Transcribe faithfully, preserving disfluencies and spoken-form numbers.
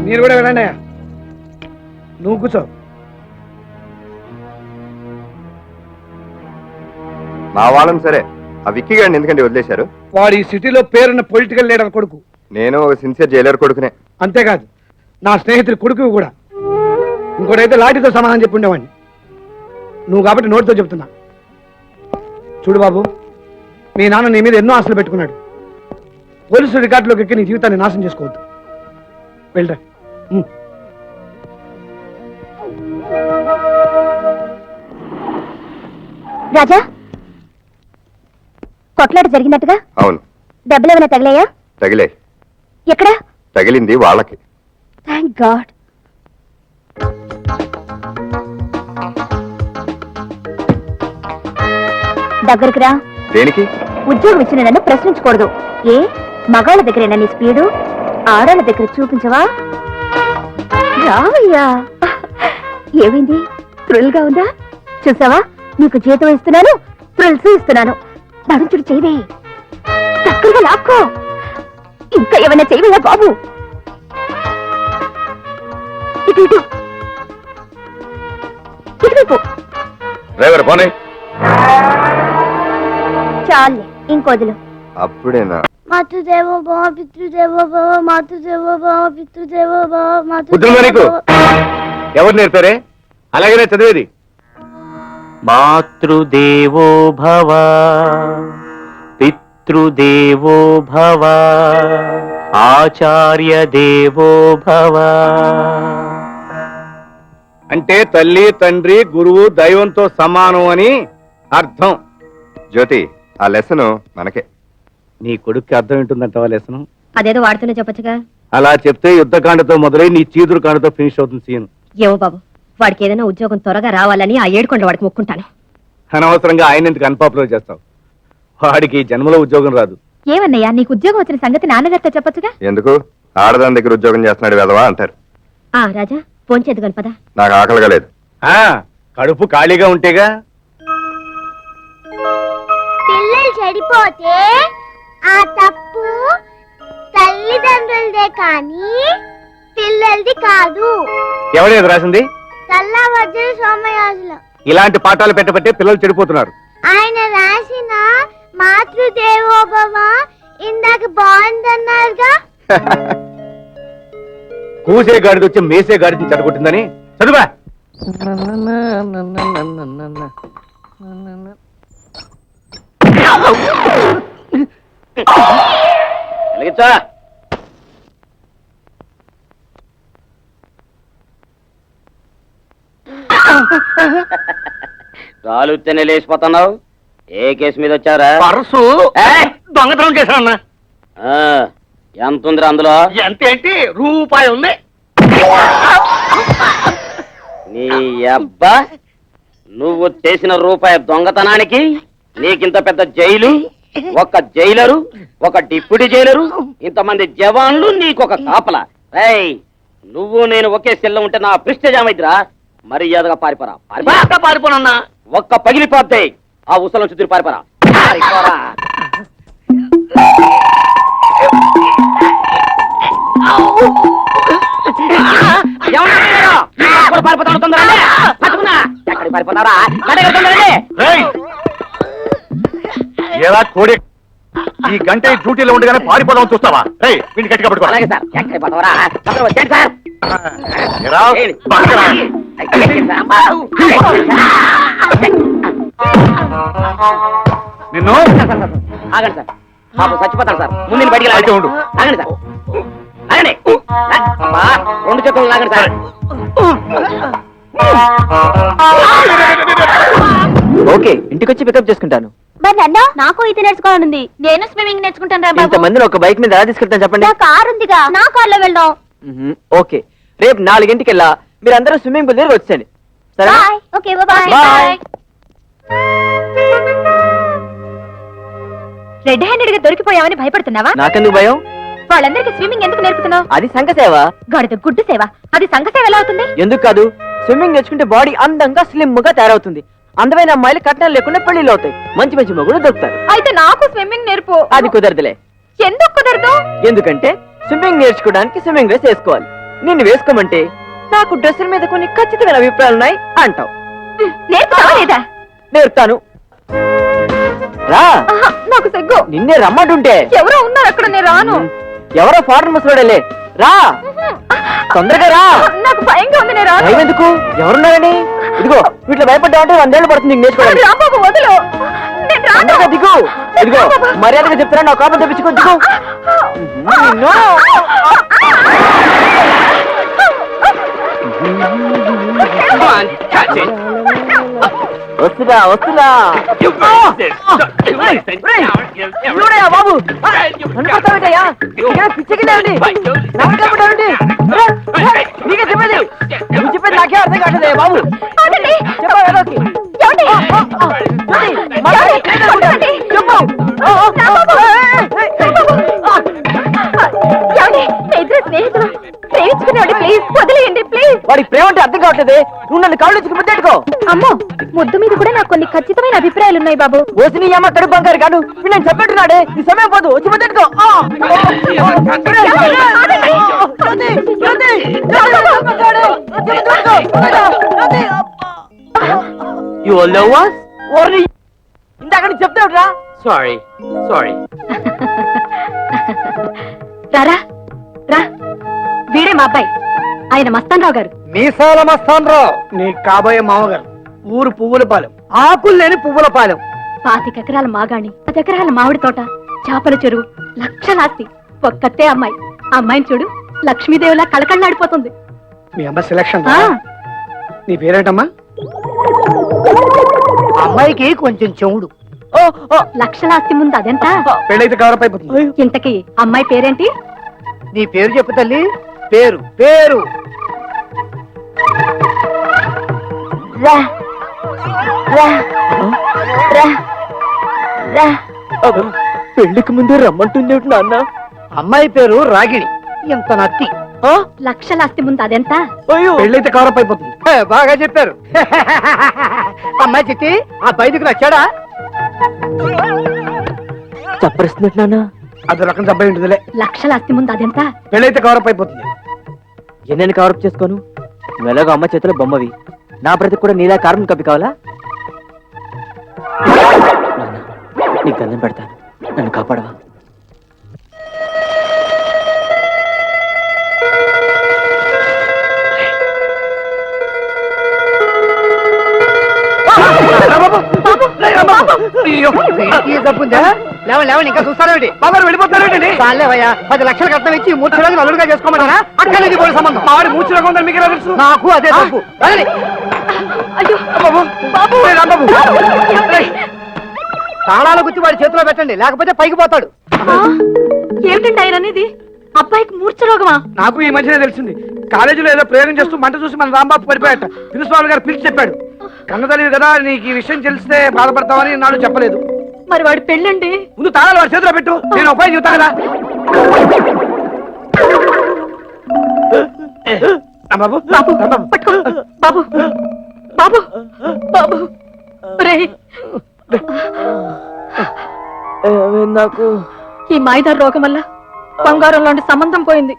మీరు కూడా వెళ్ళండి. నువ్వు కూర్చో. మా వాళ్ళని సరే, ఆ విక్కీ గారిని ఎందుకంటే వదిలేశారు? వాడు ఈ సిటీలో పేరున్న పొలిటికల్ లీడర్ కొడుకు. నేను ఒక సిన్సియర్ జైలర్ కొడుకునే. అంతేకాదు, నా స్నేహితుడి కొడుకు కూడా. ఇంకోటైతే లాఠీతో సమాధానం చెప్పి ఉండేవాడిని. నువ్వు కాబట్టి నోటితో చెప్తున్నా. చూడు బాబు, మీ నాన్న నీ మీద ఎన్నో ఆశలు పెట్టుకున్నాడు. పోలీసు రికార్డులోకి ఎక్కి నీ జీవితాన్ని నాశనం చేసుకోవద్దు. వెళ్ళరా. రాజా, కొట్లాట జరిగినట్టుగా? అవును. దెబ్బలు ఏమైనా తగిలాయా? తగిలే. ఎక్కడ తగిలింది? వాళ్ళకి. Thank god. దగ్గరికి రా. దేనికి? ఉద్యోగం ఇచ్చిన నన్ను ప్రశ్నించకూడదు. ఏ మగాళ్ళ దగ్గరేనా నీ స్పీడు? ఆడాళ్ళ దగ్గర చూపించవా? రావయ్యా. ఏమైంది? థ్రిల్ గా ఉందా? చూసావా, నీకు జీతం ఇస్తున్నాను, థ్రిల్స్ ఇస్తున్నాను. నడుచుడు చేయవే, చక్కగా లాక్కో. ఇంకా ఏమైనా చేయవయ్యా బాబు. ఇటు ఇటు ఇటువైపు. చాలే, ఇంకొదులు. అప్పుడేనా? మాతృదేవో భవ, పితృదేవో భవ, మాతృదేవో భవ, పితృదేవో భవ, మాతృదేవో. ఎవరు నేర్పారే? అలాగనే చదివేది. మాతృదేవో భవ, పితృదేవో భవ, ఆచార్య దేవో భవ. అంటే తల్లి, తండ్రి, గురువు దైవంతో సమానం అని అర్థం. జ్యోతి, ఆ లెసను మనకే. నీ కొడుక్కి అర్థం ఏంటుందంటావా లెసను? అదేదో వాడుతూనే చెప్పచ్చుగా. అలా చెప్తే యుద్ధకాండతో మొదలై నీ చీదురు కాండతో ఫినిష్ అవుతుంది సీన్. ఏవో బాబు, వాడికి ఏదైనా ఉద్యోగం త్వరగా రావాలని ఆ ఏడుకొండ వాడికి మొక్కుంటాను. అనవసరంగా ఆయన ఎందుకు అన్పాపులర్ చేస్తావు? వాడికి జన్మలో ఉద్యోగం రాదు. ఏమన్నయ్యా, నీకు ఉద్యోగం వచ్చిన సంగతి నాన్నగారితో చెప్పచ్చుగా. ఎందుకు? ఆడదాని దగ్గర ఉద్యోగం చేస్తున్నాడు వెధవా అంటారు. ఆ రాజా, ఫోన్ చేద్దు గణపద. నాకు ఆకలిగా లేదు. కడుపు ఖాళీగా ఉంటేగా. పిల్లలు చెడిపోతే ఆ తప్పు తల్లిదండ్రులదే కానీ పిల్లలది కాదు. ఎవరేది రాసింది? తల్లవజ్జల సోమయాజులు. ఇలాంటి పాఠాలు పెట్టబట్టే పిల్లలు చెడిపోతున్నారు. ఆయన రాసిన మాతృదేవోభవ ఇందాక బాగుందన్నారుగా. కూసే గాడిద వచ్చి మేసే గాడిదని చెడగొట్టిందని చదువా. రాలుతేనే లేచిపోతున్నావు. ఏ కేసు మీద వచ్చారా? పర్సు దొంగతనం చేశానన్నా. ఎంత ఉందిరా అందులో? ఎంత ఏంటి? రూపాయి ఉంది. నీ అబ్బా, నువ్వు చేసిన రూపాయి దొంగతనానికి నీకింత పెద్ద జైలు, ఒక జైలరు, ఒక డిప్యూటీ జైలరు, ఇంతమంది జవాన్లు, నీకొక కాపలా. ఏయ్, నువ్వు నేను ఒకే సెల్లో ఉంటే నా ప్రిస్టేజ్ ఏమైద్దిరా? మర్యాదగా పారిపోరా. పారిపోనన్నా. ఒక్క పగిలిపోతే ఆ ఉసలం చుట్టూ పారిపోరా. పారిపోరా. ఎలా కోడి ఈ గంట డ్యూటీలో ఉండగానే పారిపోదాం చూస్తావా? వీడిని గట్టిగా పట్టుకో. అలాగే సార్. ఎక్కడికి పోతావరా? వచ్చేయండి సార్. నిన్ను ఆగండి సార్, పాపం చచ్చిపోతాను సార్. ముందు బయటికి అయితే ఉండు. ఆగండి సార్, ఆగండి. అబ్బా, రెండు చేతులు లాగండి సార్. ఓకే, ఇంటికి వచ్చి పికప్ చేసుకుంటాను. మరి నన్ను? నాకు ఇది నేర్చుకోవాలనుంది. నేను స్విమ్మింగ్ నేర్చుకుంటాను. ఇంతమందిని ఒక బైక్ మీద ఎలా తీసుకెళ్తాను చెప్పండి? నా కారు ఉందిగా, నా కార్లో వెళ్దాం. ఓకే, రేపు నాలుగింటికి వెళ్ళా మీరందరూ స్విమ్మింగ్ పూల్ దగ్గర వచ్చేయండి. సరే? Okay, bye. Bye. Red handed గా దొరికిపోయామని భయపడుతున్నావా? నాకెందుకు భయం? వాళ్ళందరికీ స్విమ్మింగ్ ఎందుకు నేర్పుతున్నావు? అది సంఘ సేవ. గడిద గుడ్డు సేవ. అది సంఘ సేవ ఎలా అవుతుంది? ఎందుకు కాదు? స్విమ్మింగ్ నేర్చుకుంటే బాడీ అందంగా స్లిమ్ గా తయారవుతుంది. అందమైన అమ్మాయిలు కట్నాలు లేకుండా పెళ్లిళ్ళు అవుతాయి. మంచి మంచి మగుడు దొరుకుతారు. అయితే నాకు స్విమ్మింగ్ నేర్పు. అది కుదరదులే. ఎందుకు కుదరదు? ఎందుకంటే స్విమ్మింగ్ నేర్చుకోవడానికి స్విమ్మింగ్ డ్రెస్ వేసుకోవాలి. నిన్ను వేసుకోమంటే నాకు డ్రెస్సుల మీద కొన్ని ఖచ్చితమైన అభిప్రాయాలు ఉన్నాయి అంటావు. నేర్పుతావా లేదా? నేర్పుతాను రా. ఆహా, నాకు సిగ్గు. నిన్నే రమ్మంటుంటే ఎవరో ఉన్నారు అక్కడ, నేను రాను. ఎవరో ఫారెన్ ముసలాడలే, రా తొందరగా రా. నాకు భయంగా ఉంది, నేను రాను. భయం ఎందుకు? ఎవరున్నారని? ఇదిగో వీటిలో భయపడ్డావంటే వందేళ్ళు పడుతుంది నీకు నేర్చుకోవడానికి. రాంబాబు వదులు, నేను రాను. తొందరగా దిగు. ఇదిగో మర్యాదగా చెప్తున్నా, నా కోపం తెప్పించుకో, దిగు. నిన్ను. వస్తున్నా వస్తున్నా. చూడయా బాబు, అనుకుంటావేటయ్యా? పిచ్చకిందండి, నీకే చెప్పేది. నువ్వు చెప్పేది నాకే అర్థం కావట్లేదయ్యా బాబు. ఆగండి. చెప్పు ఏదోకి. ఏమండి? జ్యోతి, మళ్ళీ ఏమండి? చెప్పు. రాంబాబు, ఏమండి? నా ఇద్దరు స్నేహితులు ప్రేమించుకునేవాడి, ప్లీజ్ వదిలేయండి, ప్లీజ్. వాడికి ప్రేమ అంటే అర్థం కావట్లేదే. నువ్వు నన్ను కాళ్ళు వచ్చి ముద్దెట్టుకో. అమ్మో, ముద్దు మీద కూడా నాకు కొన్ని ఖచ్చితమైన అభిప్రాయాలు ఉన్నాయి బాబు. ఓసి నీ అమ్మ కడుపు బంగారు కాదు. వీడు నేను చెప్పేట్టున్నాడే, నీ సమయం పోదు, వచ్చి ముద్దెట్టుకో. ఇందాక నుంచి చెప్తావుట్రా. సారీ సారీ రారా రా, వీడే మా అబ్బాయి, ఆయన మస్తాన్ రావు గారు. మీసాల మస్తాన్ రావు నీ కాబోయే మామగారు. ఊరు పువ్వుల పాలెం, ఆకులు లేని పువ్వుల పాలెం. పాతికెకరాల మాగాణి, పది ఎకరాల మామిడి తోట, చేపల చెరువు, లక్షలాస్తి, ఒక్కతే అమ్మాయి. ఆ అమ్మాయిని చూడు, లక్ష్మీదేవిలా కళకళలాడిపోతుంది. మీ అమ్మ సెలక్షన్. ఆ, నీ పేరేంటమ్మా? అమ్మాయికి కొంచెం చెవుడు. లక్షలాస్తి ముందు అదెంత? పెళ్ళైతే కవరప్ అయిపోతుంది. ఇంతకీ అమ్మాయి పేరేంటి? నీ పేరు చెప్పు తల్లి. పేరు పేరు రా రా రా రా. పెళ్లికి ముందే రమ్మంటుంది నాన్న. అమ్మాయి పేరు రాగిణి. ఎంత నత్తి. లక్షలాస్తి ముందు అదెంత? అయ్యో, పెళ్ళైతే కవరప్ అయిపోతుంది. బాగా చెప్పారు. అమ్మాయి చిట్టి, ఆ బయటకు నచ్చాడా? చప్పరిస్తున్నట్టు నాన్న. అది రకం దెబ్బై ఉంటుందిలే. లక్షలాస్తి ముందు అదెంత? పెళ్ళైతే కవరప్ అయిపోతుంది. ఎన్నెన్ని కవరప్ చేసుకోను? నువ్వు ఎలాగో అమ్మ చేతిలో బొమ్మవి, నా బ్రతికి కూడా నీలా కార్బన్ కప్పి కావాలా? నాన్న, నీకు దండం పెడతాను, నన్ను కాపాడవా? లేవండి, ఇంకా చూస్తారేంటి? బాబు వెళ్ళిపోతారేంటి? చాలేవయ్యా, పది లక్షలు కట్నం ఇచ్చి మూర్తి రోజులు అల్లుడుగా చేసుకోమంటారా? అక్కడ ఇది పోయే సంబంధం. మావాడి మూర్తి రోగం ఉందని మీకు ఎలా తెలుసు? నాకు అదే తప్పు. అయ్యో బాబు, బాబు, రే రాంబాబు. ఏమండి? తాళాలు గుచ్చి వాడి చేతిలో పెట్టండి, లేకపోతే పైకి పోతాడు. ఆ, ఏమిటండి ఆయన అనేది? అబ్బాయికి మూర్ఛ రోగమా? నాకు ఈ మధ్యనే తెలిసింది. కాలేజీలో ఏదో ప్రయోగం చేస్తూ మంట చూసి మన రాంబాబు పడిపోయాట. ప్రిన్సిపాల్ గారు పిలిచి చెప్పాడు. కన్నతల్లి కదా, నీకు ఈ విషయం తెలిస్తే బాధపడతావని నాడు చెప్పలేదు. మరి వాడి పెళ్ళండి? ముందు తాళాలు వాడి చేతిలో పెట్టు, నేను ఉపాయం చెబుతా కదా. బాబు బాబు, పట్టుకో. బాబు బాబు బాబు, రేయ్, నాకు ఈ మాయిదారు రోగం వల్ల బంగారం లాంటి సంబంధం పోయింది.